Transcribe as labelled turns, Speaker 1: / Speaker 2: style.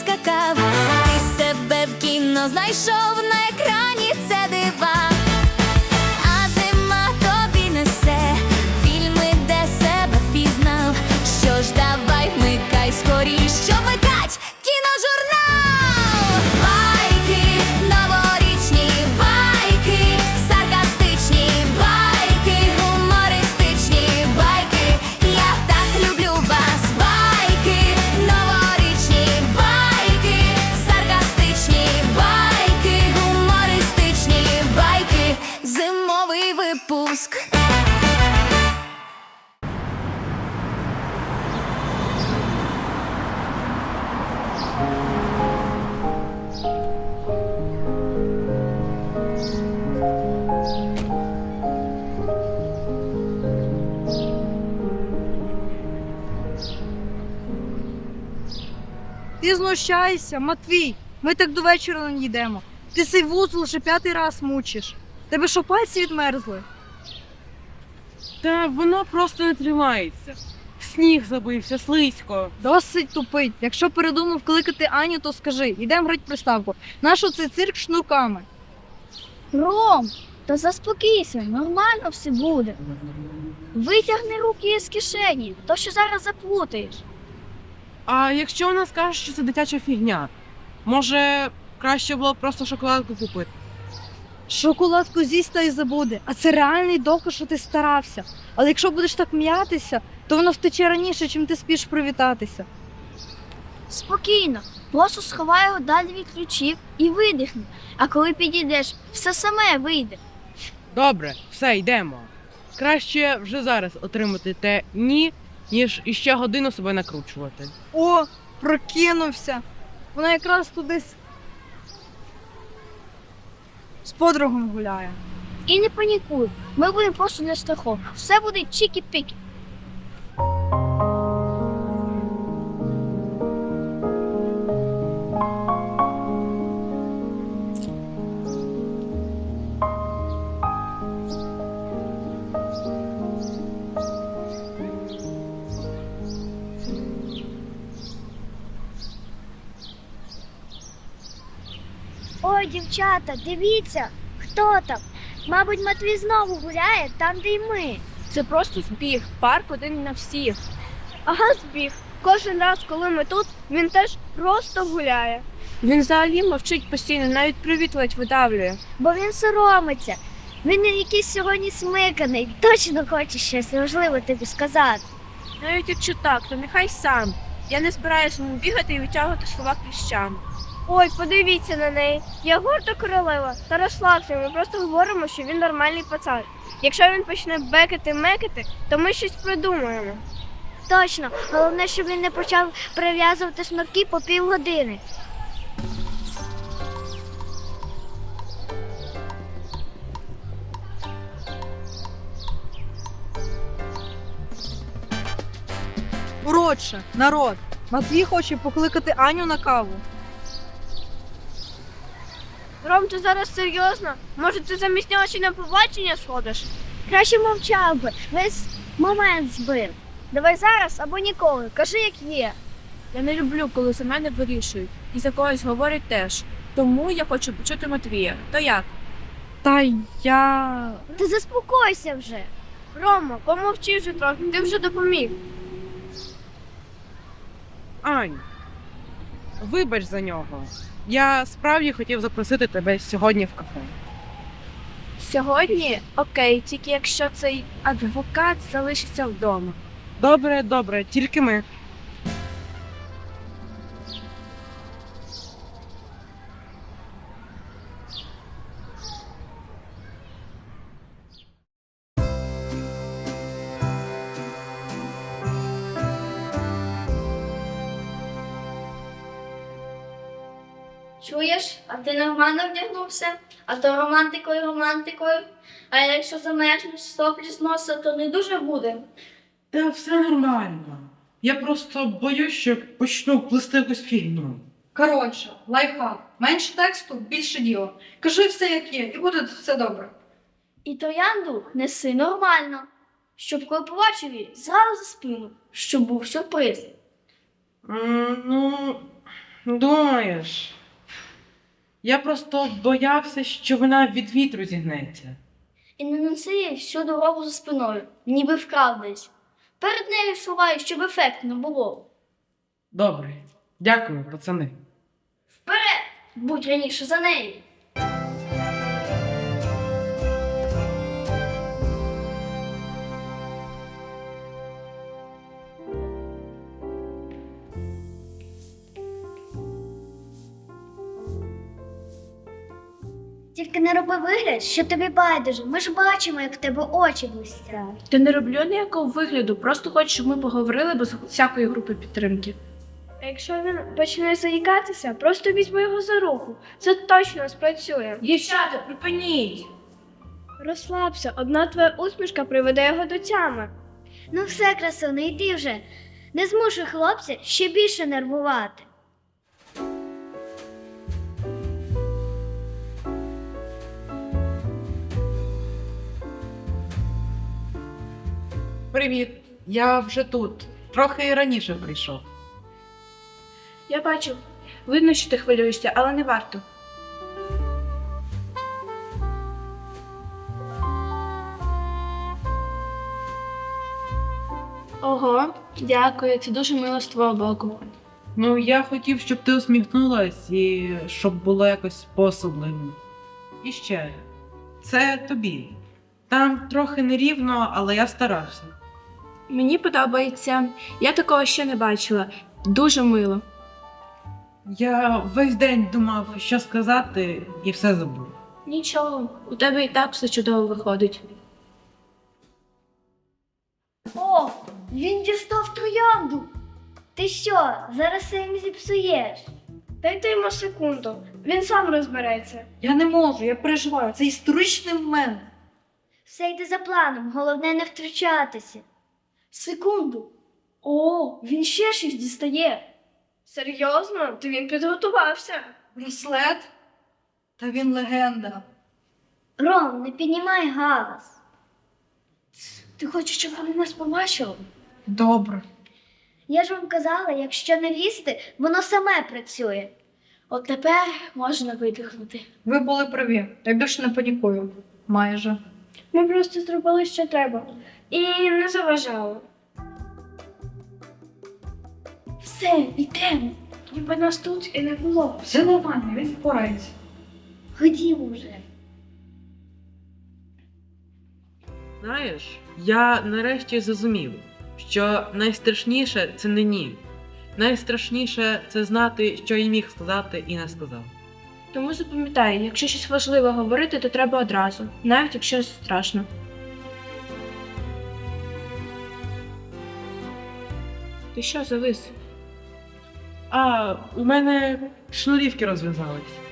Speaker 1: скакав. Ти себе в кіно знайшов, на екрані це дива. А зима тобі несе фільми, де себе пізнав. Що ж, давай вмикай скоріш, що вмикать кіножурнал. Байки новорічні, байки саркастичні, байки гумористичні, байки, я так люблю вас. Байки новорічні, байки саркастичні, байки гумористичні, байки, зимовий випуск.
Speaker 2: Ти знущаєшся, Матвій, ми так до вечора не йдемо. Ти цей вузол лише 5-й раз мучиш. Тебе що, пальці відмерзли?
Speaker 3: Та воно просто не тримається. Сніг забився, слизько.
Speaker 2: Досить тупить. Якщо передумав кликати Аню, то скажи, йдемо грати приставку. Нащо цей цирк шнурками?
Speaker 4: Ром, то заспокійся, нормально все буде. Витягни руки із кишені, то що зараз заплутаєш.
Speaker 3: А якщо вона скаже, що це дитяча фігня, може краще було б просто шоколадку купити?
Speaker 2: Шоколадку з'їсть та й забуде. А це реальний доказ, що ти старався. Але якщо будеш так м'ятися, то воно втече раніше, чим ти спіш привітатися.
Speaker 4: Спокійно, просто сховай його далі від ключів і видихни. А коли підійдеш, все саме вийде.
Speaker 3: Добре, все, йдемо. Краще вже зараз отримати те «ні», ніж іще годину себе накручувати.
Speaker 2: О, прокинувся. Вона якраз туди з подругом гуляє.
Speaker 4: І не панікуй, ми будемо просто для страху. Все буде чікі-пікі. Ой, дівчата, дивіться, хто там? Мабуть, Матвій знову гуляє там, де й ми.
Speaker 5: Це просто збіг, парк один на всіх.
Speaker 4: Ага, збіг. Кожен раз, коли ми тут, він теж просто гуляє.
Speaker 5: Він взагалі мовчить постійно, навіть привіт ледь видавлює.
Speaker 4: Бо він соромиться. Він якийсь сьогодні смиканий. Точно хоче щось важливе тобі сказати.
Speaker 5: Навіть якщо так, то нехай сам. Я не збираюся ним бігати і витягувати слова кліщами.
Speaker 4: Ой, подивіться на неї. Я горда королева. Та розслабся, ми просто говоримо, що він нормальний пацан. Якщо він почне бекати-мекати, то ми щось придумаємо. Точно. Головне, щоб він не почав прив'язувати шнурки по півгодини.
Speaker 2: Коротше, народ, Матвій хоче покликати Аню на каву.
Speaker 5: Ром, ти зараз серйозно? Може, ти замість нього ще на побачення сходиш?
Speaker 4: Краще мовчав би, весь момент збив. Давай зараз або ніколи, кажи, як є.
Speaker 5: Я не люблю, коли за мене вирішують. І за когось говорять теж. Тому я хочу почути Матвія. То як?
Speaker 2: Та я...
Speaker 4: Ти заспокойся вже.
Speaker 5: Рома, помовчи вже трохи, ти вже допоміг.
Speaker 3: Ань, вибач за нього. Я справді хотів запросити тебе сьогодні в кафе.
Speaker 5: Сьогодні? Окей, тільки якщо цей адвокат залишиться вдома.
Speaker 3: Добре, добре, тільки ми.
Speaker 4: Чуєш, а ти нормально вдягнувся? А то романтикою. А якщо замерзнеш соплі з носа, то не дуже буде.
Speaker 3: Та все нормально. Я просто боюсь, що почну плести якусь фігню.
Speaker 2: Коротше, лайфхак. Менше тексту, більше діла. Кажи все, як є, і буде все добре.
Speaker 4: І троянду неси нормально, щоб коли побачив її, зразу за спину, щоб був сюрприз.
Speaker 3: Ну, Думаєш? Я просто боявся, що вона від вітру зігнеться.
Speaker 6: І не неси їй всю дорогу за спиною, ніби вкрав десь. Перед нею сховай, щоб ефектно було.
Speaker 3: Добре. Дякую, пацани.
Speaker 6: Вперед! Будь раніше за нею.
Speaker 7: Тільки не роби вигляд, що тобі байдуже. Ми ж бачимо, як в тебе очі блистять.
Speaker 5: Та не роблю ніякого вигляду, просто хочу, щоб ми поговорили без всякої групи підтримки.
Speaker 4: А якщо він почне заїкатися, просто візьми його за руку. Це точно спрацює.
Speaker 5: Дівчата, припиніть!
Speaker 4: Розслабся, одна твоя усмішка приведе його до тями.
Speaker 7: Ну все, красуне, йди вже. Не змушуй хлопця ще більше нервувати.
Speaker 3: Привіт, я вже тут. Трохи раніше прийшов.
Speaker 5: Я бачу. Видно, що ти хвилюєшся, але не варто. Ого, дякую, це дуже мило з твого боку.
Speaker 3: Ну, я хотів, щоб ти усміхнулась і щоб було якось по-особливому. І ще, це тобі. Там трохи нерівно, але я старався.
Speaker 5: Мені подобається. Я такого ще не бачила. Дуже мило.
Speaker 3: Я весь день думав, що сказати, і все забув.
Speaker 5: Нічого, у тебе і так все чудово виходить.
Speaker 7: О, він дістав троянду. Ти що, зараз все їм зіпсуєш?
Speaker 4: Дайте йому секунду, він сам розбереться.
Speaker 2: Я не можу, я переживаю. Це історичний момент.
Speaker 7: Все йде за планом, головне не втручатися.
Speaker 4: Секунду. О, він ще щось дістає. Серйозно? То він підготувався.
Speaker 2: Браслет? Та він легенда.
Speaker 7: Ром, не піднімай галас.
Speaker 4: Ти хочеш, щоб вони нас побачили?
Speaker 2: Добре.
Speaker 7: Я ж вам казала, якщо не лізти, воно саме працює.
Speaker 6: От тепер можна видихнути.
Speaker 2: Ви були праві. Я більше не панікую. Майже.
Speaker 4: Ми просто зробили, що треба. І не заважали.
Speaker 6: Все, йдемо.
Speaker 4: Ніби нас тут і не було.
Speaker 2: Все нормально, він впорається.
Speaker 7: Ходімо вже.
Speaker 3: Знаєш, я нарешті зрозумів, що найстрашніше це не ні. Найстрашніше це знати, що я міг сказати і не сказав.
Speaker 5: Тому запам'ятай, якщо щось важливе говорити, то треба одразу, навіть якщо страшно. Ти що завис?
Speaker 3: А, у мене шнурівки розв'язались.